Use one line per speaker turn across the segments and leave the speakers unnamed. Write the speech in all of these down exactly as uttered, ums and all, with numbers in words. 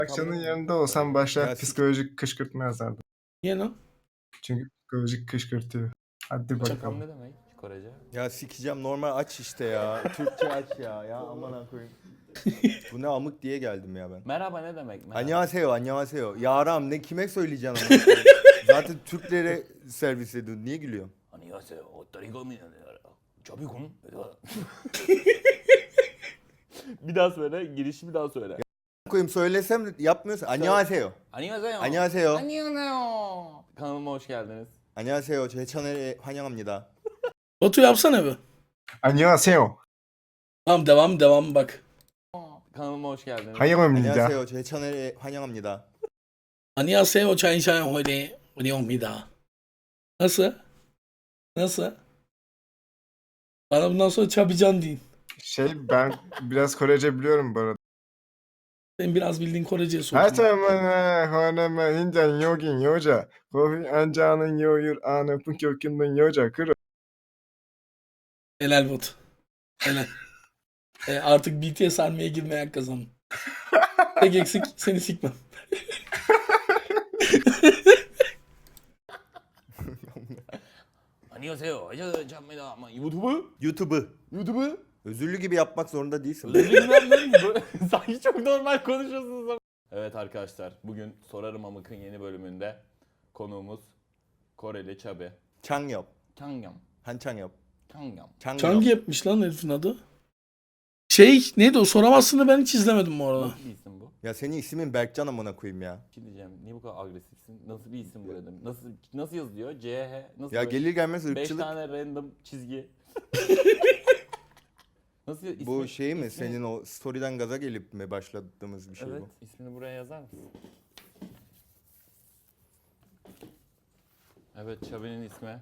Akçanın yanında olsam başlar
Ya,
psikolojik kışkırtma yazardım.
Niye lan?
Çünkü psikolojik kışkırtıyor. Hadi
Çakam
bakalım.
ne demek Korece?
Ya sikeceğim, normal aç işte ya. Türkçe aç ya. Ya aman koyayım. Bu ne amık diye geldim ya ben.
Merhaba ne demek? Merhaba.
Annyeonghaseyo, annyeonghaseyo. Yaram ne kime söyleyeceksin ama. Zaten Türklere servis ediyorsun. Niye gülüyorsun?
Annyeonghaseyo. Otarigami. Çabukun. Bir daha söyle. Girişi bir daha söyle.
Koyayım söylesem yapmıyorsun. Annyeonghaseyo.
Annyeonghaseyo.
Annyeonghaseyo.
Annyeonghaseyo. Kanalıma hoş geldiniz.
안녕하세요. 제 채널에 환영합니다.
Batu yapsana bir.
안녕하세요.
Tamam devam devam bak.
Kanalıma hoş geldiniz.
환영합니다.
안녕하세요. 제 채널에 환영합니다.
Annyeonghaseyo çayşay hoyde hoyde. Nasıl? Nasıl? Bana bundan sonra Çabican deyin.
Şey ben biraz Korece biliyorum bu arada.
Sen biraz bildiğin Korece'ye sokun.
하자마나 허나마 인장 여긴 여자 거기 앉아는 여유 안에 품격 있는 여자 그래.
Helal Batu. Helal. E, artık B T S armaya girmeye kazandın. Tek eksik seni sikmem.
Annyeonghaseyo. Çabukun. Ama YouTube?
유튜브.
YouTube?
Özürlü gibi yapmak zorunda değilsin.
Bilmem sanki çok normal konuşuyorsunuz ama. Evet arkadaşlar, bugün Sorarım Amık'ın yeni bölümünde konuğumuz Koreli Çabi.
창엽.
Kangyam.
한창엽.
Kangyam.
창엽.
Çangi yapmış lan herifin adı. Şey neydi o soramazsını ben hiç izlemedim bu arada.
Nasıl bir isim bu?
Ya senin ismin Berkcan amına koyayım ya.
Bir şey diyeceğim, niye bu kadar agresifsin? Nasıl bir isim bu dedim? Nasıl nasıl yazılıyor? C H nasıl?
Ya
böyle?
gelir gelmez
Beş
ırkçılık.
tane random çizgi. Nasıl ismi?
Bu şey mi?
ismi-
Senin o story'den gaza gelip mi başladığımız bir şey
Evet,
bu?
ismini buraya yazar mısın? Evet, Çabi'nin ismi.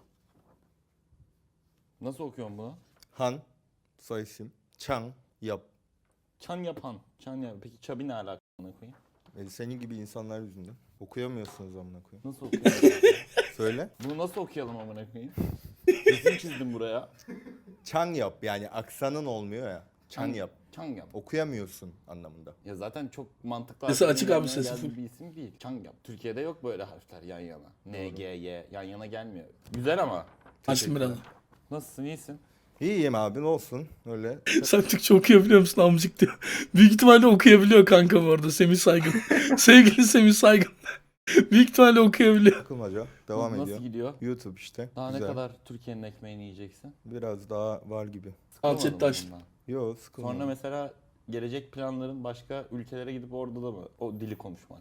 Nasıl okuyorsun bunu?
Han. Soy isim. Çang. Yap.
Çan yapan. Çan yapan. Peki Çabi ne alakalı koyayım?
E, senin gibi insanlar yüzünden. Okuyamıyorsunuz amına koyayım.
Nasıl okuyalım?
Söyle.
Bunu nasıl okuyalım amına koyayım? Resim çizdim buraya.
Çang yap yani aksanın olmuyor ya. Çang yap.
Çang yap.
Okuyamıyorsun anlamında.
Ya zaten çok mantıklı.
Sesi
harflerin
açık abi,
yanına
sesi
geldiği
full.
bir isim değil. Çang yap. Türkiye'de yok böyle harfler yan yana. N, G, Y yan yana gelmiyor. Güzel ama.
Açtım biraz.
Nasılsın? İyisin?
İyiyim abi ne olsun öyle.
Sen Türkçe okuyabiliyor musun amcık diyor. Büyük ihtimalle okuyabiliyor kanka bu arada Semih Saygın. Sevgili Semih Saygın. Büyük ihtimalle okuyabiliyor.
Takılmaca devam
Nasıl
ediyor.
gidiyor?
YouTube işte.
Daha
Güzel.
ne kadar Türkiye'nin ekmeğini yiyeceksin?
Biraz daha var gibi.
Sıkılmadın
Alçet
mı
taş.
bundan?
Yo sıkılmadım.
Sonra mesela gelecek planların başka ülkelere gidip orada da mı o dili konuşmak?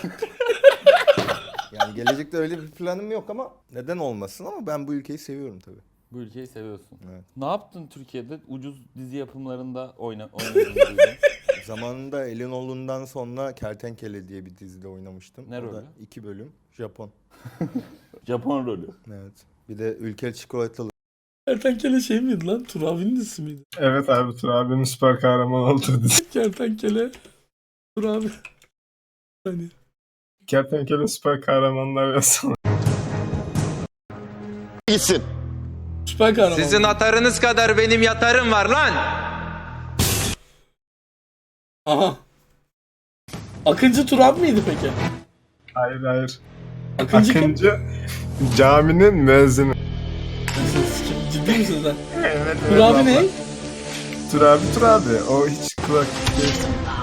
Yani gelecekte öyle bir planım yok ama neden olmasın ama ben bu ülkeyi seviyorum tabii.
Bu ülkeyi seviyorsun.
Evet.
Ne yaptın Türkiye'de? Ucuz dizi yapımlarında oyna oynadın. duydum.
Zamanında Elinoğlu'ndan sonra Kertenkele diye bir dizide oynamıştım.
Ne
O da
rolü?
iki bölüm. Japon.
Japon rolü.
Evet. Bir de ülkeli çikolatalı.
Kertenkele şey miydi lan? Turabi'nin ismi miydi?
Evet abi Tur abinin süper kahraman olduğu dizi.
Kertenkele. Turabi. Hani.
Kertenkele süper kahramanlar yazsana.
gitsin.
Süper kahraman.
Sizin atarınız kadar benim yatarım var lan.
Aha. Akıncı Turabi miydi peki?
Hayır hayır.
Akıncı kim?
Akıncı caminin müezzini.
Siz- Ciddi misin sen?
Evet evet.
Turabi ne?
Tur abi Tur abi. O hiç kulak değil.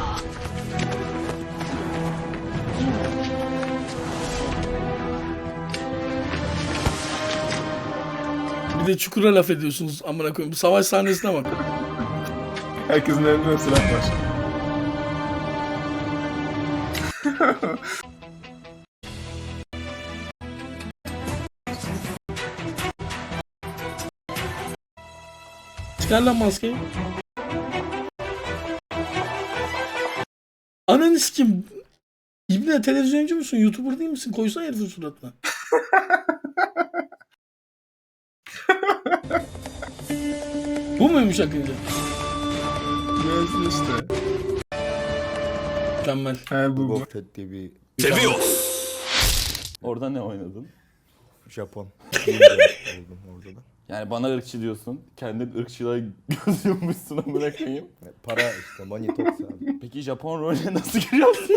Bir de çukura laf ediyorsunuz amına koyayım. Bu savaş sahnesine bak.
Herkesin elinde silah var.
Çıkar lan maskeyi. Ananı sikim. İbne televizyoncu musun? YouTuber değil misin? Koysana herifin suratına. Bu muymuş Akıncı?
Müezzin işte.
Mükemmel.
He bu bu.
Boba Fett diye bir
Orada ne oynadın?
Japon. Ninja oldum orada da.
Yani bana ırkçı diyorsun. Kendin ırkçılığa göz yummuşsun amına koyayım.
Para işte money talks abi.
Peki Japon rolüne nasıl giriyorsun?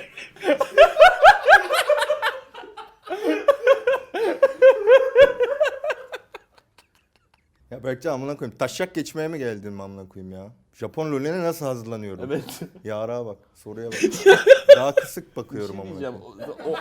Ya Berkcan amına koyayım. Taşak geçmeye mi geldin amına koyayım ya? Japon rolüne nasıl hazırlanıyorum?
Evet.
Yara bak, soruya bak. Daha kısık bakıyorum
Bir şey
amına
diyeceğim.
koyayım.
O, o-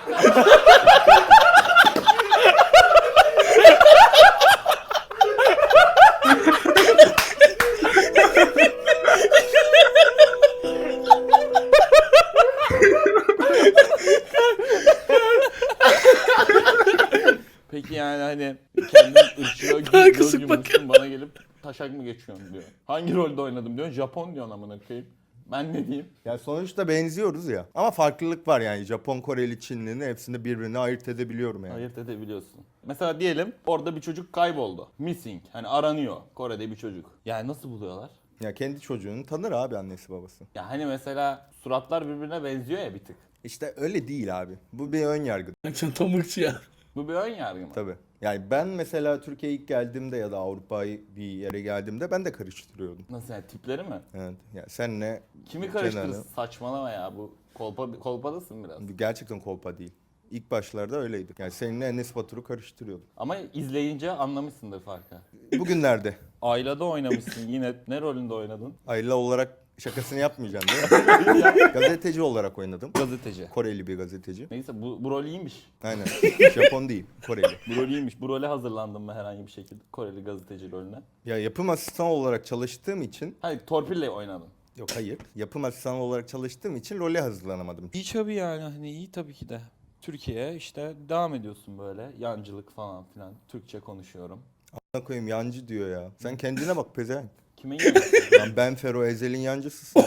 Peki yani hani kendin ırkçılığa
Daha
göz
kısık
yummuşsun bana gelip taşak mı geçiyorsun diyor. Hangi rolde oynadım diyor. Japon diyorsun amına koyayım. Ben ne diyeyim?
Ya sonuçta benziyoruz ya. Ama farklılık var yani. Japon, Koreli, Çinli'ni hepsini birbirine ayırt edebiliyorum yani.
Ayırt edebiliyorsun. Mesela diyelim orada bir çocuk kayboldu. Missing. Hani aranıyor. Kore'de bir çocuk. Yani nasıl buluyorlar?
Ya kendi çocuğunu tanır abi annesi babası.
Ya hani mesela suratlar birbirine benziyor ya bir tık.
İşte öyle değil abi. Bu bir ön yargı
Sen tam ırkçı ya.
Bu bir ön yargı mı?
tabii. Yani ben mesela Türkiye'ye ilk geldiğimde ya da Avrupa'ya bir yere geldiğimde ben de karıştırıyordum.
Nasıl yani tipleri mi?
Evet. Ya sen ne?
Kimi karıştırırsın?
Kenan'ı-
Saçmalama ya bu kolpa, kolpadasın biraz.
Gerçekten kolpa değil. İlk başlarda öyleydi. Yani seninle Enes Batur'u karıştırıyordum.
Ama izleyince anlamışsındır farkı.
Bugünlerde
Ailede oynamışsın yine. Ne rolünde oynadın?
Ayla olarak şakasını yapmayacaksın değil mi? Gazeteci olarak oynadım.
Gazeteci.
Koreli bir gazeteci.
Neyse bu, bu rol iyiymiş.
Aynen. Japon değil, Koreli.
Bu rol iyiymiş. Bu role hazırlandım mı herhangi bir şekilde? Koreli gazeteci rolüne.
Ya yapım asistanı olarak çalıştığım için,
Hayır torpille oynadın.
yok hayır, yapım asistanı olarak çalıştığım için role hazırlanamadım.
İyi tabii yani hani iyi tabii ki de. Türkiye işte devam ediyorsun böyle yancılık falan filan. Türkçe konuşuyorum.
Ana koyayım yancı diyor ya. Sen kendine bak pezevenk.
Kime yancı?
Lan ben Fero Ezel'in yancısısın.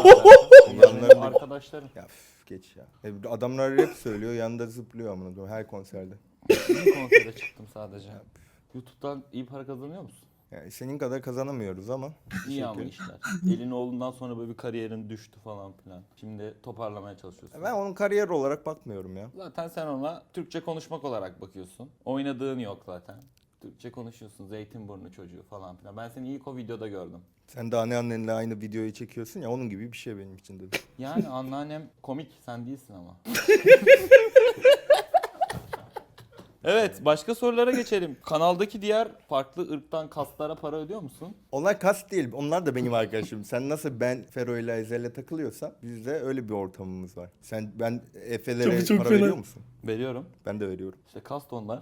Benim
Yanlarında-
arkadaşlarım.
Ya üf, geç ya. E, Adamlar rap söylüyor, yanında zıplıyor amına koyayım her konserde.
Bir konsere çıktım sadece. YouTube'dan iyi para kazanıyor musun?
Yani senin kadar kazanamıyoruz ama.
İyi ama
Teşekkür.
işler. Elin oğlundan sonra böyle bir kariyerin düştü falan filan. Şimdi toparlamaya çalışıyorsun.
Ben onun kariyer olarak bakmıyorum ya.
Zaten sen ona Türkçe konuşmak olarak bakıyorsun. Oynadığın yok zaten. Türkçe konuşuyorsun. Zeytinburnu çocuğu falan filan. Ben seni ilk o videoda gördüm.
Sen de anneannenle aynı videoyu çekiyorsun ya onun gibi bir şey benim için dedim.
Yani anneannem komik. Sen değilsin ama. Evet, başka sorulara geçelim. Kanaldaki diğer farklı ırktan kastlara para ödüyor musun?
Onlar kas değil. Onlar da benim arkadaşım. Sen nasıl ben Fero ile Ezel'le takılıyorsan bizde öyle bir ortamımız var. Sen ben Efe'lere
Çok- çok
para
fena.
veriyor musun?
Veriyorum.
Ben de veriyorum.
İşte kast onlar.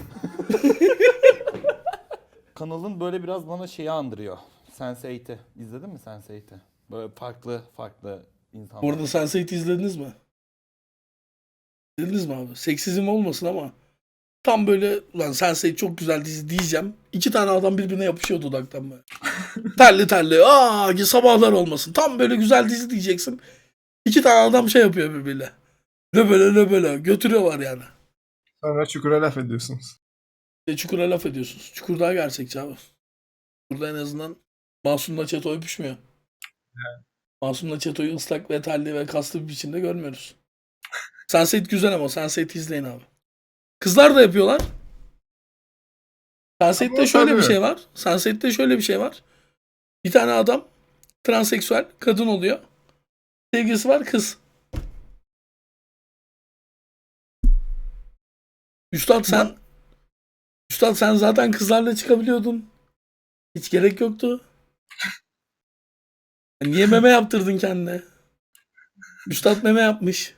Kanalın böyle biraz bana şeyi andırıyor. sense eight'i. İzledin mi sense eight'i? Böyle farklı farklı insanlar.
Orada sense eight izlediniz mi? İzlediniz mi abi? Seksizm olmasın ama tam böyle ulan sense eight çok güzel dizi diyeceğim. İki tane adam birbirine yapışıyor dudaktan böyle. terli terli. Aa sabahlar olmasın. Tam böyle güzel dizi diyeceksin. İki tane adam şey yapıyor birbiriyle. Ne böyle ne böyle götürüyorlar yani.
Sonra çukura laf ediyorsunuz.
E, Çukur'a laf ediyorsunuz. Çukur daha gerçekçi abi. Burada en azından Masum'la Çeto öpüşmüyor. Masum'la Çeto'yu ıslak ve terli ve kaslı bir biçimde görmüyoruz. sense eight güzel ama sense eight izleyin abi. Kızlar da yapıyorlar. sense eight'te
Ama
şöyle bir
tabii.
şey var. sense eight'te şöyle bir şey var. Bir tane adam transseksüel kadın oluyor. Sevgilisi var kız. Üstad sen Üstad sen zaten kızlarla çıkabiliyordun. Hiç gerek yoktu. Niye meme yaptırdın kendine? Üstad meme yapmış.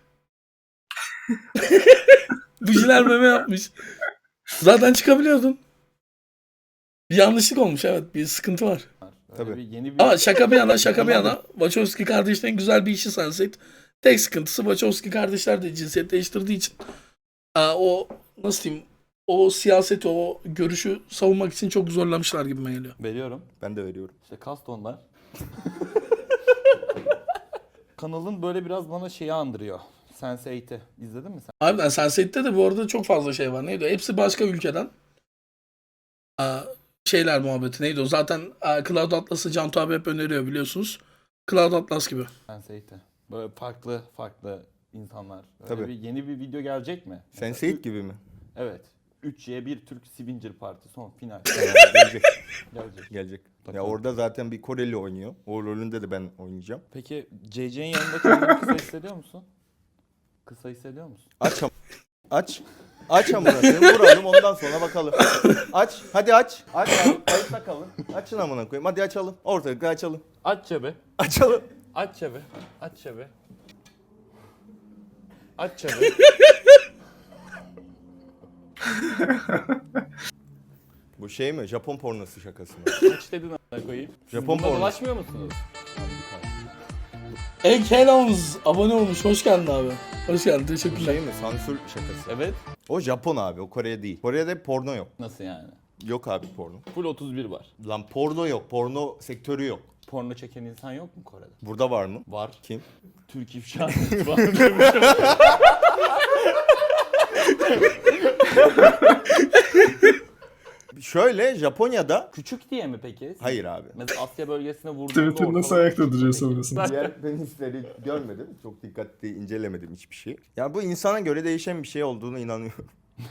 Bujiler meme yapmış. Zaten çıkabiliyordun. Bir yanlışlık olmuş evet. Bir sıkıntı var.
Öyle
Tabii.
bir yeni bir
Ama şaka bir yana şaka bir yana Wachowski kardeşlerin güzel bir işi sense eight. Tek sıkıntısı Wachowski kardeşler de cinsiyet değiştirdiği için aa, o nasıl diyeyim o siyaseti o görüşü savunmak için çok zorlamışlar gibime geliyor.
veriyorum.
Ben de veriyorum.
İşte kast onlar. Kanalın böyle biraz bana şeyi andırıyor. sense eight'i. İzledin mi sen?
Harbiden sense eight'te de bu arada çok fazla şey var. Neydi o? Hepsi başka ülkeden. Aa, şeyler muhabbeti neydi o? Zaten aa, Cloud Atlas'ı Cantu abi hep öneriyor biliyorsunuz. Cloud Atlas gibi.
sense eight'i. Böyle farklı farklı insanlar. Öyle
Tabii.
bir yeni bir video gelecek mi?
sense eight gibi mi?
Evet. üç ye bir Türk Swinger Party son final.
gelecek.
Gelecek.
Gelecek. Ya
Bakalım.
orada zaten bir Koreli oynuyor. O rolünde de ben oynayacağım.
Peki C C'nin yanında kendini kısa hissediyor musun? Kısa hissediyor musun?
Aç am- aç. Aç amına koyayım. Vuralım ondan sonra bakalım. Aç. Hadi aç. Aç abi. Kayıtta kalın. Açın amına koyayım. Hadi açalım. Ortalıkta açalım.
Aç çebe.
Açalım.
Aç çebe. Aç çebe. Aç çebe.
Bu şey mi? Japon pornosu şakası mı?
Aç dedin a**ına koyayım. Siz
Japon
bununla
porno.
dolaşmıyor musunuz?
Ekelons abone olmuş. Hoş geldin abi. Hoş geldin.
Bu
Teşekkürler.
şey mi? Sansür şakası.
Evet.
O Japon abi. O Kore değil. Kore'de porno yok.
Nasıl yani?
Yok abi porno.
Full otuz bir var.
Lan porno yok. Porno sektörü yok.
Porno çeken insan yok mu Kore'de?
Burada var mı?
Var.
Kim?
Türk ifşa var.
Şöyle Japonya'da...
Küçük diye mi peki?
Hayır abi.
Mesela Asya bölgesine vurduğunda
Twitter nasıl
ortalık-
ayakta duruyor sonrasında?
Diğer penisleri görmedim. Çok dikkatli incelemedim hiçbir şey. Ya bu insana göre değişen bir şey olduğunu inanıyorum.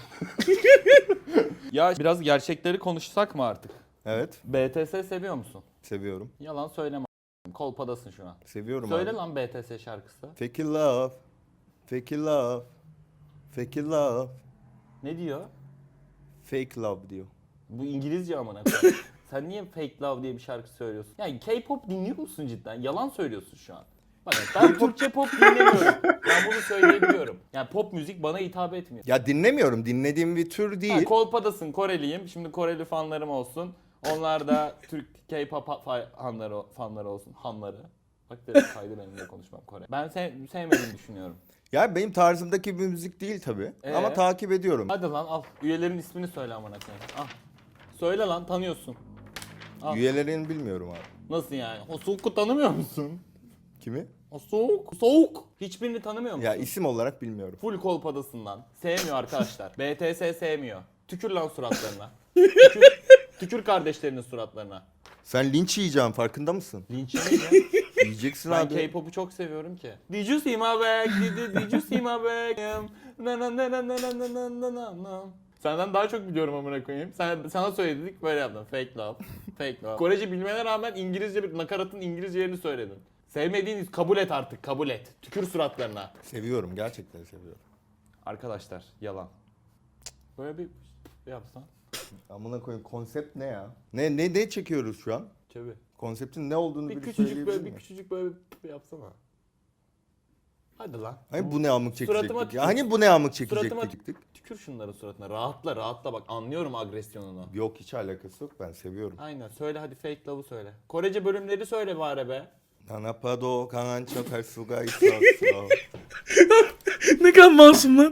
Ya biraz gerçekleri konuşsak mı artık?
Evet.
B T S seviyor musun?
Seviyorum.
Yalan söyleme a**. Kolpadasın şu an.
Seviyorum
Söyle
abi.
lan B T S şarkısı.
Fake love. Fake love. Fake love.
Ne diyor?
Fake love diyor.
Bu İngilizce amına koyayım. Sen niye Fake Love diye bir şarkı söylüyorsun? Yani K-pop dinliyor musun cidden? Yalan söylüyorsun şu an. Bak ben Türkçe pop dinlemiyorum. Ben bunu söyleyebiliyorum. Yani pop müzik bana hitap etmiyor.
Ya dinlemiyorum. Dinlediğim bir tür
Ha,
değil.
Kolpadasın, Koreliyim. Şimdi Koreli fanlarım olsun. Onlar da Türk K-pop fa- fanları, fanları olsun. Hanları. Bak dedim kaydı benim de konuşmam Kore. Ben sev- sevmediğini düşünüyorum.
Ya benim tarzımdaki bir müzik değil tabii.
Ee?
Ama takip ediyorum.
Hadi lan al. Üyelerin ismini söyle amına koyayım. Al. Söyle lan tanıyorsun. Al.
Üyelerini bilmiyorum abi.
Nasıl yani? O Soğuk'u tanımıyor musun?
Kimi?
O Soğuk. Soğuk. Hiçbirini tanımıyor musun?
Ya isim olarak bilmiyorum.
Full kolpadasından. Sevmiyor arkadaşlar. B T S sevmiyor. Tükür lan suratlarına. Tükür, tükür kardeşlerinin suratlarına.
Sen linç yiyeceksin farkında mısın?
Linç yemeyin.
Yiyeceksin
Ben
abi.
K-pop'u çok seviyorum ki. Did you see my bag? Did, did you see my bag? Na na na na na na na na na na na. Senden daha çok biliyorum amına koyayım. Sen, sana söyledik böyle yaptın. Fake love. Fake love. Korece bilmene rağmen İngilizce bir nakaratın İngilizce yerini söyledin. Sevmediğiniz kabul et artık kabul et. Tükür suratlarına.
Seviyorum gerçekten seviyorum.
Arkadaşlar yalan. Böyle bir yapsan.
Amına koyayım konsept ne ya? Ne ne ne çekiyoruz şu an?
Çevir.
Konseptin ne olduğunu
Bir
bir
küçücük
söyleyebilir
böyle bir
miyim?
küçücük böyle bir yapsana. Hadi lan.
Hani bu ne amık
Suratıma
çekecektik
tükür.
ya? Hani bu ne amık
Suratıma
çekecektik?
tükür şunların suratına. Rahatla rahatla bak anlıyorum agresyonunu.
Yok hiç alakası yok ben seviyorum.
Aynen söyle hadi fake love'u söyle. Korece bölümleri söyle bari be.
Nanapado 강한 척할 수가 있었어.
Ne kadar masum lan.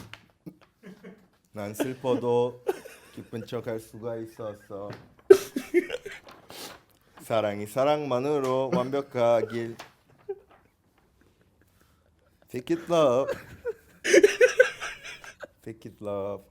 난 슬퍼도 기쁜 척할 수가 있었어. 사랑이 사랑만으로 완벽하길. Fake it love. Fake it love.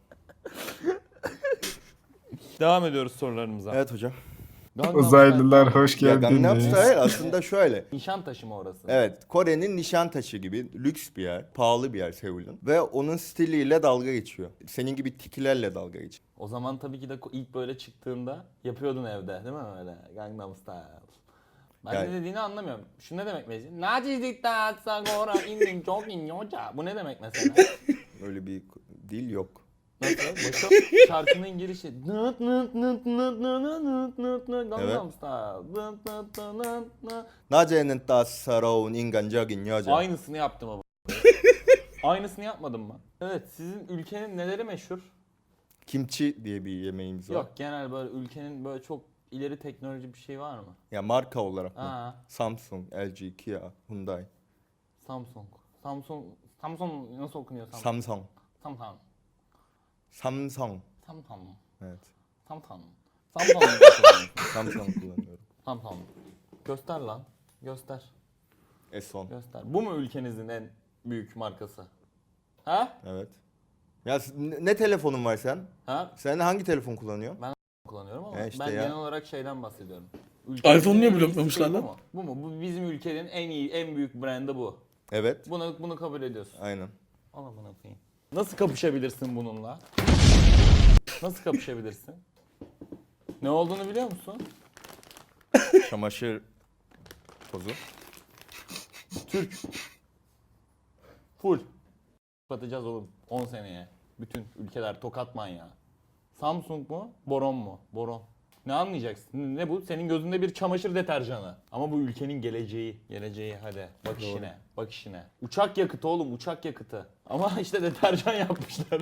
Devam ediyoruz sorularımıza.
Evet hocam.
Gangnam
Uzaylılar hoş
Ya Gangnam
geldiniz.
Style aslında şöyle.
Style. Nişantaşı mı orası?
Evet, Kore'nin Nişantaşı gibi lüks bir yer, pahalı bir yer Seul'ün. Ve onun stiliyle dalga geçiyor. Senin gibi tikilerle dalga geçiyor.
O zaman tabii ki de ilk böyle çıktığında yapıyordun evde değil mi öyle? Gangnam Style. Ben
Yani-
ne dediğini anlamıyorum. Şu ne demek mesela? Nacizlikta sagora indim çok inyoca. Bu ne demek mesela?
Öyle bir dil yok.
Nasıl? Başka şarkının girişi. Nıt nıt nıt nıt nıt nıt nıt nıt Gangnam Style. Nıt nıt nıt nıt.
낮에는 따사로운 인간적인 여자.
Aynısını yaptım ama. Aynısını yapmadım mı? Evet, sizin ülkenin neleri meşhur?
Kimchi diye bir yemeğimiz var.
Yok, genel böyle ülkenin böyle çok ileri teknoloji bir şey var mı?
Ya marka olarak mı?
Aa,
Samsung, L G, Kia, Hyundai.
Samsung. Samsung Samsung nasıl okunuyor Samsung?
Samsung.
Samsung.
Samsung.
Samsung.
Evet.
Samsung. Samsung. nasıl okunuyor?
Samsung kullanıyorum.
Samsung. Göster lan. Göster.
S on.
Göster. Bu mu ülkenizin en büyük markası? Ha?
Evet. Ya s- ne ne telefonun var sen?
Ha?
Sen hangi telefon kullanıyorsun?
Kullanıyorum ama
E işte
ben
ya.
genel olarak şeyden bahsediyorum.
iPhone niye
en iyi
bloklamışlar
siteyi
lan?
Bu mu? Bu mu? Bu bizim ülkenin en iyi, en büyük brandı bu.
Evet.
Bunu bunu kabul ediyorsun.
Aynen.
Al amına koyayım. Nasıl kapışabilirsin bununla? Nasıl kapışabilirsin? Ne olduğunu biliyor musun?
Çamaşır tozu.
Türk. Full. Kapatacağız oğlum on seneye. Bütün ülkeler tokat manyağı. Samsung mu? Boron mu? Boron. Ne anlayacaksın? Ne bu? Senin gözünde bir çamaşır deterjanı. Ama bu ülkenin geleceği. Geleceği hadi. Bak işine. Bak işine. Uçak yakıtı oğlum, uçak yakıtı. Ama işte deterjan yapmışlar.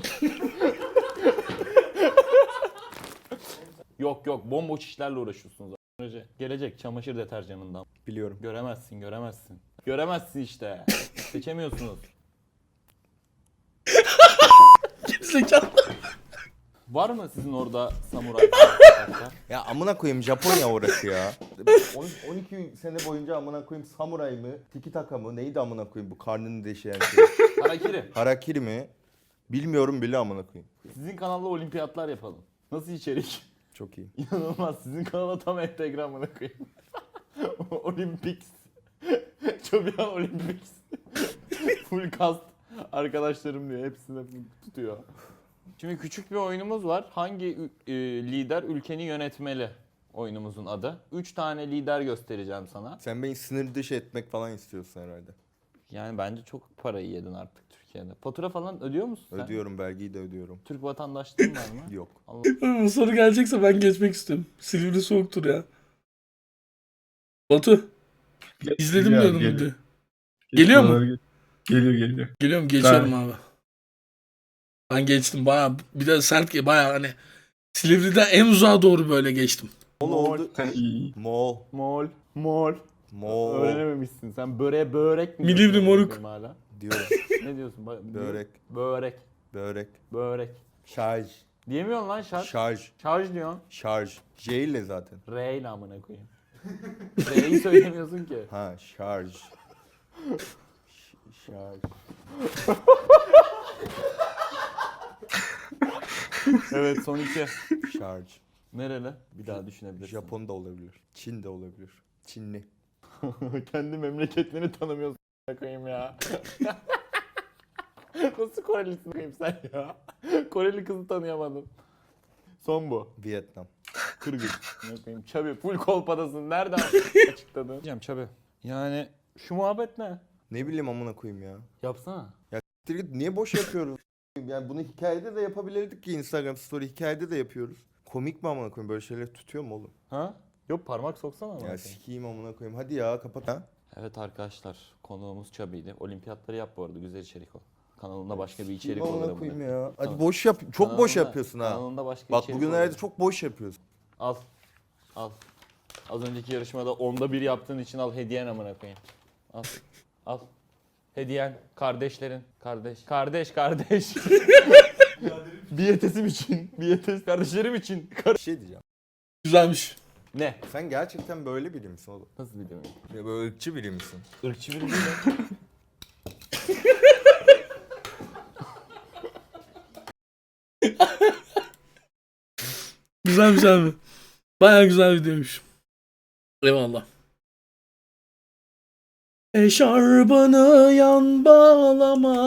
Yok yok, bomboş işlerle uğraşıyorsunuz. Gelecek çamaşır deterjanından.
Biliyorum.
Göremezsin, göremezsin. Göremezsin işte. Seçemiyorsunuz.
Zekalı.
Var mı sizin orada samuray?
Ya amına koyayım Japonya orası ya. on iki sene boyunca amına koyayım samuray mı, tiki taka mı, neydi amına koyayım bu karnını deşeyen şey.
Harakiri.
Harakiri mi? Bilmiyorum bile amına koyayım.
Sizin kanalda olimpiyatlar yapalım. Nasıl içerik?
Çok iyi.
İnanılmaz. Sizin kanala tam entegre amına koyayım. Olympics. Çobian Olympics. Full cast arkadaşlarım diyor. Hepsini tutuyor. Şimdi küçük bir oyunumuz var. Hangi e, lider ülkeni yönetmeli? Oyunumuzun adı. Üç tane lider göstereceğim sana.
Sen beni sınır dışı etmek falan istiyorsun herhalde.
Yani bence çok parayı yedin artık Türkiye'de. Fatura falan ödüyor musun sen?
Ödüyorum, vergiyi de ödüyorum.
Türk vatandaşlığın var mı?
Yok.
Allah.
Bu soru gelecekse ben geçmek istiyorum. Silivri soğuktur ya. Batu. İzledim
Geliyor
diyordum
abi,
video.
geliyor.
Geliyor mu?
Geliyor geliyor. geliyor.
Geliyorum geçiyorum abi. Ben geçtim bayağı bir de sert ki bayağı hani Silivri'den en uzağa doğru böyle geçtim.
Moğol oldu.
Sen iyi.
Moğol.
Mol. Mol.
Moğol
Öğrenememişsin. Sen böreğe börek mi
Milivri
diyorsun
moruk.
benim hala?
diyorum.
Ne diyorsun? Ba-
Börek.
Börek.
Börek.
Börek.
Şarj.
Diyemiyorsun lan şarj.
Şarj.
Şarj diyorsun.
Şarj. J ile zaten.
R ile amına koyayım. R'yi söylemiyorsun ki.
Ha şarj. Ş- şarj.
Evet son iki.
Şarj.
Nereli? Bir daha düşünebilirsin.
Japon da olabilir. Çin de olabilir. Çinli.
Kendi memleketlerini tanımıyorsun amına koyayım ya. Nasıl Korelisin koyayım sen ya? Koreli kızı tanıyamadım. Son bu.
Vietnam.
Kırgız. Ne koyayım? Çabi full kolpadasın. Nereden açıkladın? Diyeceğim Çabi. Yani şu muhabbet ne?
Ne bileyim amına koyayım ya.
Yapsana.
Siktir git, niye boş yapıyoruz? Yani bunu hikayede de yapabilirdik ki Instagram story hikayede de yapıyoruz. Komik mi amına koyayım, böyle şeyler tutuyor mu oğlum?
Ha? Yok parmak soksana ama.
Ya sikeyim amına koyayım, hadi ya kapat ha.
Evet arkadaşlar konuğumuz Çabi'ydi. Olimpiyatları yap bu arada, güzel içerik o. Kanalında başka bir içerik
Sikeyim
olur.
amına
amına
koyayım
koyayım.
ya. Hadi
Kanal-
boş yap, çok boş
kanalında-
yapıyorsun ha.
Kanalında başka
Bak
içerik
bugünlerde
olur.
çok boş yapıyorsun.
Al. Al. Az önceki yarışmada onda bir yaptığın için al hediyen amına koyayım. Al. Al. Hediyen kardeşlerin. Kardeş. Kardeş kardeş. Biyetesim için. Biyetes kardeşlerim için. Kar-
Bir şey diyeceğim.
Güzelmiş.
ne?
Sen gerçekten böyle biri misin oğlum?
Nasıl bir demek?
Ya böyle ırkçı biri misin?
Irkçı biri değil mi?
Güzelmiş abi. Bayağı güzel videoymuş. Eyvallah. Eşarbını yan bağlama.